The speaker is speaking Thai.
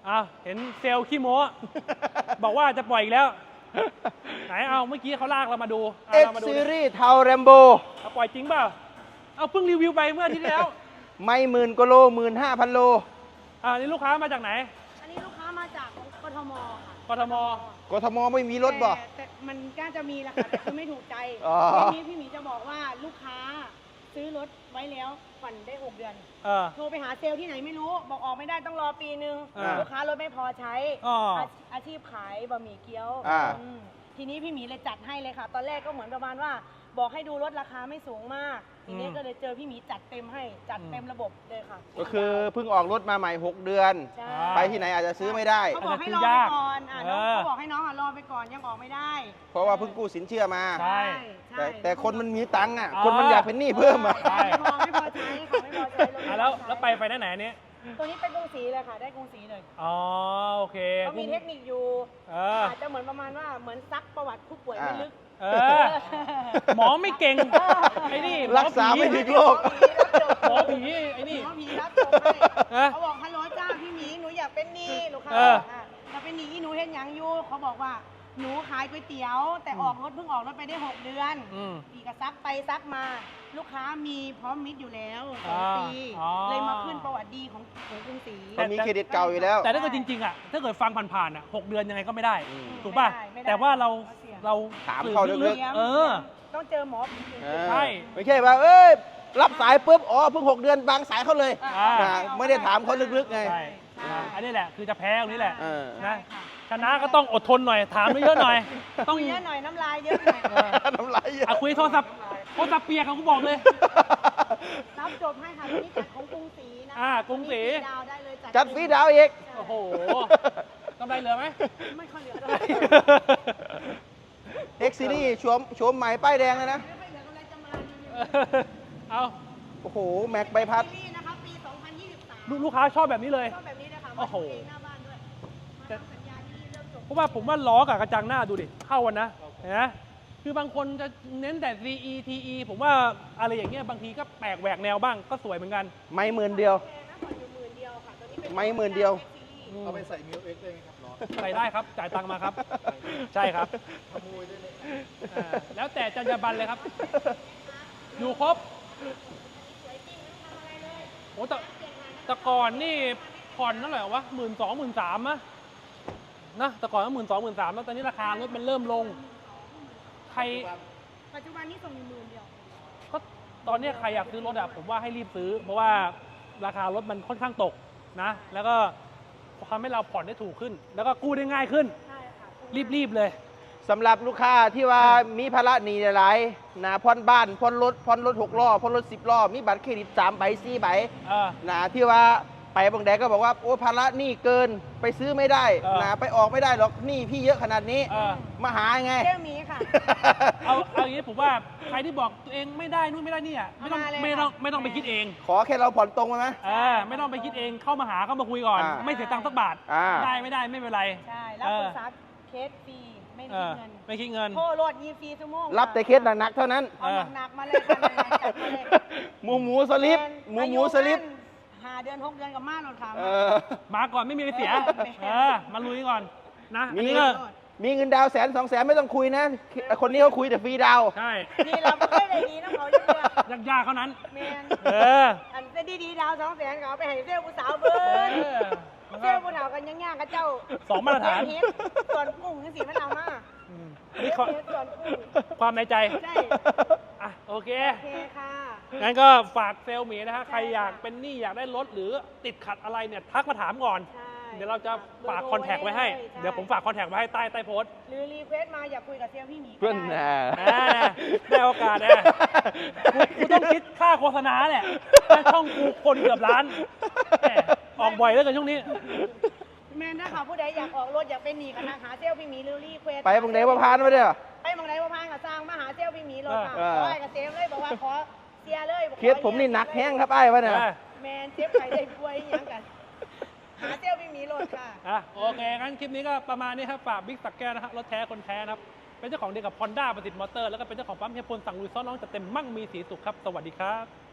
อ้าวเห็นเซลล์ขี้โม้ บอกว่าจะปล่อยอีกแล้ว ไหนเอาเมื่อกี้เขาลากเรามาดู X เรามาดู Series เทาแรมโบเอาปล่อยจริงเปล่าเอาเพิ่งรีวิวไปเมื่ออาทิตย์ที่แล้วไม่10,000 กว่าโล 15,000 โลนี่ลูกค้ามาจากไหนอันนี้ลูกค้ามาจากกทมค่ะกทมกทมไม่มีรถบ่แต่มันก็จะมีแหละค่ะแต่คือไม่ถูกใจอ๋อทีนี้พี่หมีจะบอกว่าลูกค้าซื้อรถไว้แล้วผ่อนได้ 6 เดือนเออโทรไปหาเซลล์ที่ไหนไม่รู้ บอกออกไม่ได้ต้องรอปีนึงอ่าลูกค้ารถไม่พอใช้อ๋ออาชีพขายบะหมี่เกี๊ยวอ่าอืมทีนี้พี่หมีเลยจัดให้เลยค่ะ ตอนแรกก็เหมือนประมาณว่า บอกให้ดูรถราคาไม่สูงมาก ทีนี้ก็เลยเจอพี่หมีจัดเต็มให้จัดเต็มระบบเลยค่ะก็คือเพิ่งออกรถมาใหม่ 6 เดือนใช่ไปที่ไหนอาจจะซื้อไม่ได้เขาบอกให้รอไปก่อนน้องเขาบอกให้น้องรอไปก่อนยังออกไม่ได้เพราะว่าเพิ่งกู้สินเชื่อมาใช่แต่คนมันมีตังค์อ่ะอ๋อคนมันอยากเป็นหนี้เพิ่มอ่ะใช่ไม่พอใช้ของไม่พอใช้รถไม่พอใช้แล้วไปได้ไหนเนี้ยตัวนี้เป็นกรุงศรีเลยค่ะ ได้กรุงศรีเลยอ๋อโอเคเขามีเทคนิคอยู่ อาจจะเหมือนประมาณว่าเหมือนซักประวัติผู้ป่วยไม่ลึกหมอไม่เก่งไอ้นี่รักษาไม่ถึงโรคหมอผีไอ้นี่หมอผีรับจบให้เขาบอกฮัลโหลจ้าพี่หมีหนูอยากเป็นหนี้ลูกค้าอยากเป็นหนี้หนูเห็นยังอยู่เขาบอกว่าหนูขายก๋วยเตี๋ยว แต่ออกรถเพิ่งออกรถไปได้ 6 เดือนปีกซักไปซักมา ลูกค้ามีพร้อมมิตรอยู่แล้ว2 ปีเลยมาขึ้นประวัติดีของกรุงศรีเขามีเครดิตเก่าอยู่แล้วแต่ถ้าเกิดจริงๆอ่ะถ้าเกิดฟังผ่านๆอ่ะ6 เดือนยังไงก็ไม่ได้ ถูกป่ะไม่ได้แต่ว่าเราถามเขาลึกต้องเจอหมอผีใช่ไม่ใช่ว่าเอ้ยรับสายปุ๊บอ๋อเพิ่ง6 เดือนบางสายเขาเลยอ่าไม่ได้ถามเขาลึกๆไงใช่อันนี้แหละคือจะแพ้ตรงนี้แหละเออนะชนะก็ต้องอดทนหน่อยถามเยอะๆหน่อย ต้องเยอะหน่อยน้ำลายเยอะหน่อยน้ำลายเยอะคุยโทรศัพท์เปียกเขาบอกเลยรับจบให้ค่ะนี่จัดของกรุงศรีนะกรุงศรีดาวได้เลยจัดฟรีดาวอีกโอ้โหกำไรเหลือไหมไม่ค่อยเหลือเท่าไหร่ X Series โฉมใหม่ป้ายแดงเลยนะไม่ค่อยเหลือกำไรจะมาเอาโอ้โห แม็กใบพัดซีรีส์นะคะปี 2023 ลูกค้าชอบแบบนี้เลยชอบแบบนี้นะคะโอ้โหมาทำเองหน้าบ้านด้วยมาทำสัญญาที่เริ่มจบเพราะว่าผมว่าล้อกับกระจังหน้าดูดิเข้ากันนะเห็นไหมคือบางคนจะเน้นแต่ CE TE ผมว่าอะไรอย่างเงี้ยบางทีก็แปลกแหวกแนวบ้างก็สวยเหมือนกันไม่หมื่นเดียวแพงนะผ่อนอยู่10,000 เดียวค่ะตัวนี้เป็นไม่10,000 เดียวเอาไปใส่มิวเอ็กได้ไหมครับล้อใส่ได้ครับจ่ายตังค์มาครับ ใช่ครับขโมยได้ไหมแล้วแต่จรรยาบรรณเลยครับ อยู่ครบโอ้แต่ก่อนนี่ผ่อนเท่าไหร่วะ12,000-13,000นะแต่ก่อนก็12,000-13,000แล้วตอนนี้ราคารถมันเริ่มลง ใครปัจจุบันนี้ส่งอยู่10,000 เดียวก็ตอนนี้ใครอยากซื้อรถอะผมว่าให้รีบซื้อ เพราะว่าราคารถมันค่อนข้างตกนะ แล้วก็ทำให้เราผ่อนได้ถูกขึ้น แล้วก็กู้ได้ง่ายขึ้นใช่ค่ะรีบๆเลยสำหรับลูกค้าที่ว่ามีภาระหนี้หลายๆนะผ่อนบ้านผ่อนรถ6 ล้อผ่อนรถ10 ล้อ มีบัตรเครดิต3 ใบ 4 ใบเออนะที่ว่าไปบางแดดก็บอกว่าโอ้ภาระหนี้เกินไปซื้อไม่ได้ นะไปออกไม่ได้หรอกหนี้พี่เยอะขนาดนี้เออมาหาไงเจ้าหมีค่ะเอาอย่างนี้ผมว่าใครที่บอกตัวเองไม่ได้นู่นไม่ได้นี่อ่ะไม่ต้องมาเลยไม่ต้องค่ะไปคิดเองขอแค่เราผ่อนตรงไปไหมไม่ต้องไปคิดเองเข้ามาหาเข้ามาคุยก่อน ไม่เสียตังค์สักบาท ได้ไม่เป็นไรใช่รับปรึกษาเคสฟรีไม่คิดเงินไม่คิดเงินโทรโหลด24 ชั่วโมงรับแต่เคสหนักๆเท่านั้นเอาหนักๆมาเลยค่ะหนักๆจัดมาเลยหมูสลิปหมูสลิป 5 เดือน 6 เดือนกับมาโหลดค่ะมาก่อนไม่มีอะไรเสีย มาลุยก่อนนะอันมีนี้ก็มีเงินดาว100,000 200,000ไม่ต้องคุยนะ คนนี้เขาคุยแต่ฟรีดาวใช่นี่เราไม่ได้ดีน้ำเขาเยอะยากๆเท่านั้นแมนออันจะดีๆดาว200,000เขาเอาไปให้เซลล์ผู้สาวเบิ้ลเซลล์ผู้สาวกันย่างๆกับเจ้าสองมาตรฐานเฮ็ดส่วนกุ้งนี่สิมันเอามาอันนี้เฮ็ดส่วนกุ้งความในใจใช่โอเคโอเคค่ะงั้นก็ฝากเซลล์หมีนะฮะใครอยากเป็นหนี้อยากได้รถหรือติดขัดอะไรเนี่ยทักมาถามก่อนใช่เดี๋ยวเราจะฝากคอนแทคไว้ให้ เดี๋ยวผมฝากคอนแทคไว้ให้ใต้โพสต์หรือรีเควสมาอยากคุยกับเซลล์พี่หมีก็เพื่อนได้ได้โอกาสนะกูต้องคิดค่าโฆษณาเนี่ยช่องกูคนเกือบล้านแหมออกบ่อยแล้วกันช่วงนี้แม่นนะคะผู้ใดอยากออกรถอยากเป็นหนีกันนะหาเซลล์พี่หมีหรือรีเควสไปบางแดดว่าพานมาเด้อไปบางไหนว่าพานกับสร้างมาหาเซลล์พี่หมีรถค่ะเออขอให้กับเซลล์เลยบอกว่าขอเสียเลยบอกเคสผมนี่หนักแห้งครับไอ้วะเนี่ยแมนเจ็บไข้ได้ป่วยอหยังกัน หาเซลล์พี่หมีรถค่ะโอเค งั้นคลิปนี้ก็ประมาณนี้ครับ ฝากบิ๊กสักแก้วนะฮะรถแท้คนแท้นะครับ เป็นเจ้าของเดียวกับ Honda ประสิทธิ์มอเตอร์ แล้วก็เป็นเจ้าของปั๊มเฮียพลสั่งลุยซ้อนน้องจัดเต็มมั่งมีสีสุขครับ สวัสดีครับ